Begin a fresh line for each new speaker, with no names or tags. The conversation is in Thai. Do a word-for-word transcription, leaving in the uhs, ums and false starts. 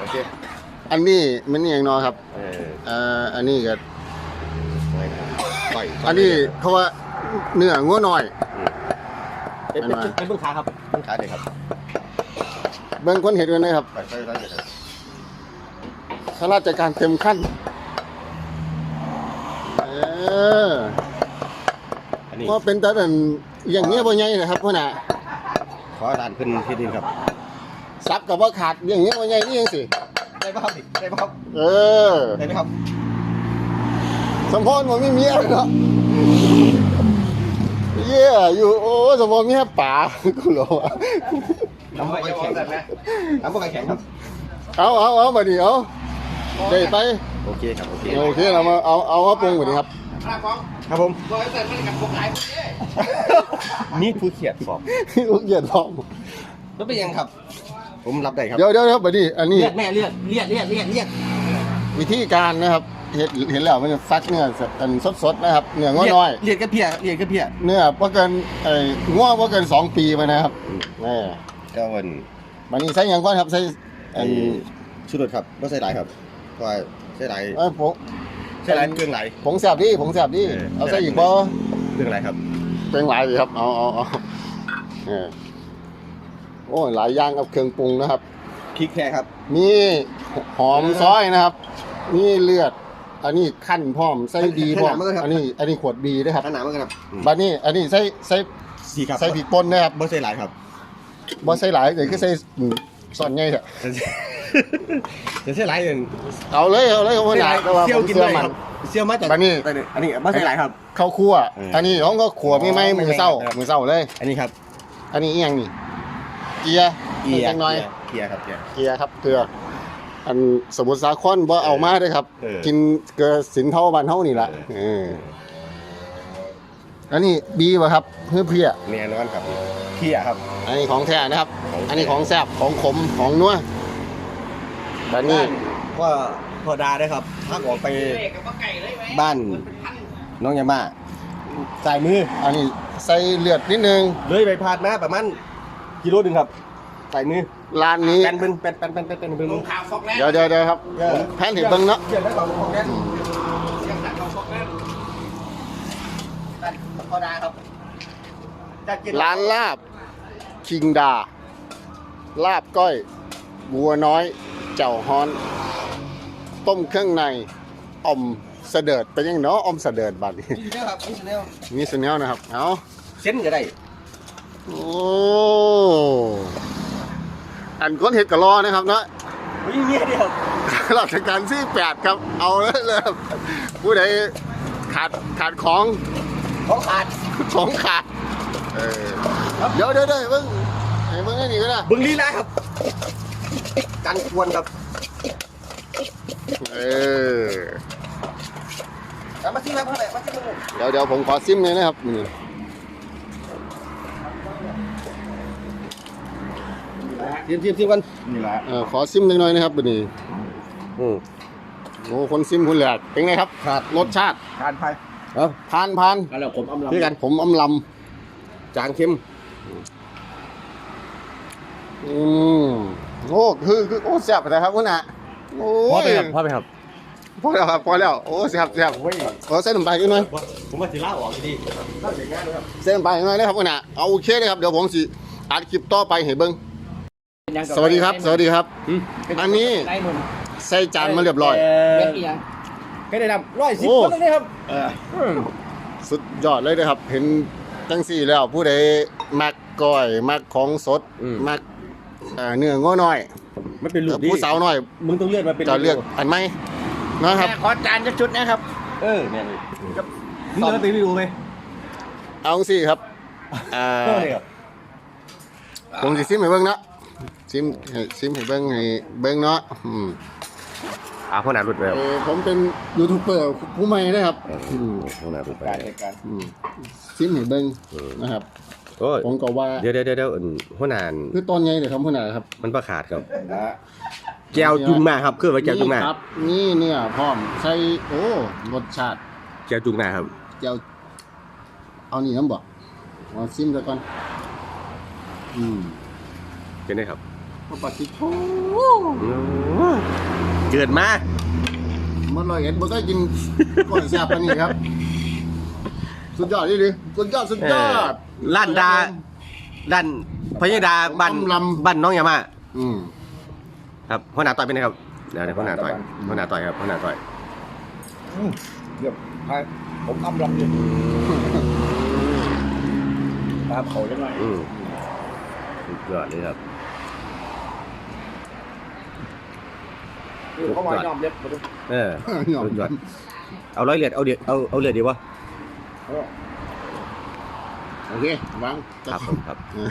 เค
อันนี้มันนี่อย่างน้อยครับ
เออ
อ่าอันนี้ก็
ต่อย
อันนี้เขาว่าเนื้องัวน้อย
เป็นเป็นเบื้องขาครับเบื้องขาเลยครับ
เบิ่งคนเห็นกันนะครับ
ไปไปไปเลย
ข้าราชการเต็มขั้นเออว่าเป็นแต่แบบอย่างเงี้ยบ่ใหญ่นะครับพ่อหน้า
ขอด่านขึ้นที่ดินครับ
ซับกับว่าขาดอย่างเงี้ยบ่ใหญ่นี่ยังสิ
ได้ป่ะครับได้ป่ะครับ
เออ
ได้ไหมครับ
สมพรผมไม่มีอะไรเนาะเย่อยู่โอ้สมพรมีแค่ป่ากูหรอวะ
น้ำพวกแข็งนะน้ำพวกแข็งครับ
เอาเอาเอามาดิเอาเดี๋ยวไป
โอเคครับโอเค
โอเคเรามาเอาเอาเอาปรุงก่อนดีครับ
ครับผมนี่ผู้เขียดฟอบ
ลูกเหยียดท้อง
แล้วเป็นยังครับผมรับได้ครับ
เดี๋ยวเดี๋ยวครับบัดนี้อันนี้
เลียดแม่เลียดเลียดเลียดเลียดเลียด
วิธีการนะครับเห็นเห็นแล้วมันจะฟักเนื้ออันสดๆนะครับเนื้อง้อน้อย
เลียดกระเพียเลียดกระเพีย
เนื้อว่าเกินไอ้ง้อว่าเกินสองปีไปนะครับนี่
ก็วัน
บัดนี้ใส่ยังก่อนครับใส่
ไอ้ชุดรถครับไม่ใส่หลายครับเพราะว่าใส่หลาย
เออผง
ใส่หลายเครื่องหลาย
ผงแซ่บดิผงแซ่บดิเอาใส่อีกบ่
เครื่องหลายครับ
เครื่องหลายดิครับเอาเอาเอาเออโอ้หลายอย่างกับเครื่องปรุงนะครับ
พริกแค่ครับ
มีหอมซอยนะครับมีเลือดอันนี้ขั้นพร้อมใส่ดีพร้อมอันนี้อันนี้ขวดบีนะครับ
ขนาดมั้งครับ
บัดนี้อันนี้ใส่ใส่ใส่ผิดปนนะครับ
บ่ใส่หลายครับ
บ่ใส่หลายแต่คือใส่ส่วนใหญ่เถอะ
จะใส่หลายเอง
เอาเลยเอาเลยเอาไว้หลายแต่ว่าผมเชื่อมัน
เชี่ยวมาจาก
บัดนี้
อันนี้บ่ใส่หลายครับ
ข้าวคั่วอันนี้น้องก็ขัวไม่ไหม้มือเศร้ามือเศร้าเลย
อันนี้ครับ
อันนี้อีหยังนี่เกียร์
เกียร์
น้อย
เกียร์ครับเกียร์
เกียร์ครับเกลืออันสมุทรสาครบ่เอามาด้วยครับกินเกลือสินเท่าบ้านเท่านี่แหละเอออันนี้บีป่ะครับเพื่อเพี้ย
แน่นอนครับเพี้ยครับ
อันนี้ของแท้นะครับอันนี้ของแซ่บของขมของนัวแบบนี้
ก็พอดาได้ครับถ้าออกไปบ้านน้องยาม่าใส่มือ
อันนี้ใส่เลือดนิดนึง
เลยไปพาดมาประมาณกิโลนึงครับใส่มือ
ร้านนี้
เป็นเป็นเป็นเป็นเป็นเป็นเป็น
เดี๋ยวเดี๋ยวเดี๋ยวครับแพนเห็นเบิ้งเนาะร้านลาบคิงดาลาบก้อยบัวน้อยเจ้าฮ้อนต้มเครื่องในอมเสดิร์ดเป็นยังเนาะอมเสดิร์ดบัดนี้มีสเนลนะครับเอา
เส้นก็ได้
โอ้อันก้นเห็ดกะลอนะครับเนาะ
มีเมียเดียว
ราชการที่แปดครับเอาเลยเลยผู้ใดขาดขาดของ
ของขาด
ของขาดเออเดี๋ยวเดี๋ยวเดี๋ยวเบิ้งไอ้เบิ้งไอ้นี่ก็ได้
เบิ้งลีลาครับกันควรครับ
เออ
มาซิมครับเท่าไหร่มาซิม
เดี๋ยวเดี๋ยวผมขอซิมเลยนะครับนี่
ซิมซิมซิมกันนี่แหละ
เออขอซิมหน่อยนะครับนี่
อืม
โอ้คนซิมคุณแหลกเป็นไงครับ
ขาด
รสชาติ
ทานไป
เออทานพาน
แล้วผมอำลำ
คือกันผมอำล
ำจางเค็ม
อืมโอ้คือคือโอ้แซ่บนะครับคุณน่ะโอ้
พอไปครับพอไปครับ
พอแล้วครับพอแล้วโอ้แซ่บแซ่บขอเส้นน้ำปลาอีกหน่อย
ผมมาสิล่าออกดีล่าเสียงง่ายเลยครับ
เส้นน้ำปลาอีกหน่อยนะครับคุณน่ะเอาโอเคเลยครับเดี๋ยวผมสิอัดคลิปต่อไปให้เบิ่งสวัสดีครับสวัสดีครับอันนี้ใส่จานมาเรียบร้อย
ก็ได้นำร้อยสิบคนเลยครับ
สุดยอดเลยนะครับเห็นจังสี่แล้วผู้ใดมักก้อยมักของสดมักเนื้อง้อน้อย
ไม่เป็นลูกดี
ผู้สาวน้อย
มึงต้องเลือกมาเป็น
จะเลือกอันไหมนะครับ
ขอจานชุดนะครับเออเนี่ยเลยมึงเลือกตีวิวไหม
เอาสิครับผมสิซิมให้เบิ้งเนาะซิมซิมให้เบิ้งให้เบิ้งเนาะ
อ่าพ่อหนาหลุดไป
ผมเป็นยูทูบเบอร์ผู้ใหม่นะครับ
พ่อหนาหลุดไปการ
ซิมให้เบิ้งนะครับผมก็ว่า
เดี๋ยวเดี๋ยวเดี๋ยวพ่อหนา
คือตอนไงเดี๋ยวทำพ่อหนาครับ
มันประขาดครับแก้วจุงมาครับคือว่าแก้วจุงมา
ครับนี่เนี่ยพร้อมใส่โอ้รสชาติ
แก้วจุงมาครับ
แก้วเอานี่น้ำบอกมาซิมกันก่อนอืม
เป็นไงครับ
พระปฏิโท
เกิดมา
มันลอยเอ็ดบ่ได้กินก่อนแซ่บปานนี้ครับ สุดยอดนี่ดิสุดยอดสุดยอด
ล้านดาด้านพญดาบ้าน
ลำ
บ้านน้องยามา
อืม
ครับพ่อหนาต่อยเป็นไงครับเดี๋ยวเดี๋ยวพ่อหนาต่อยพ่อหนาต่อยครับพ่อหนาต่อย
เดี๋ยวให้ผมอำลำอยู่ตามเขายังไง
อืมสุดยอดเลยครับ
เขามายอมเล็บมาดู
เออสุดยอดเอาร้อยเลือดเอาเดือดเอาเอาเลือดดีวะ
โอเควาง
ครับผมครับ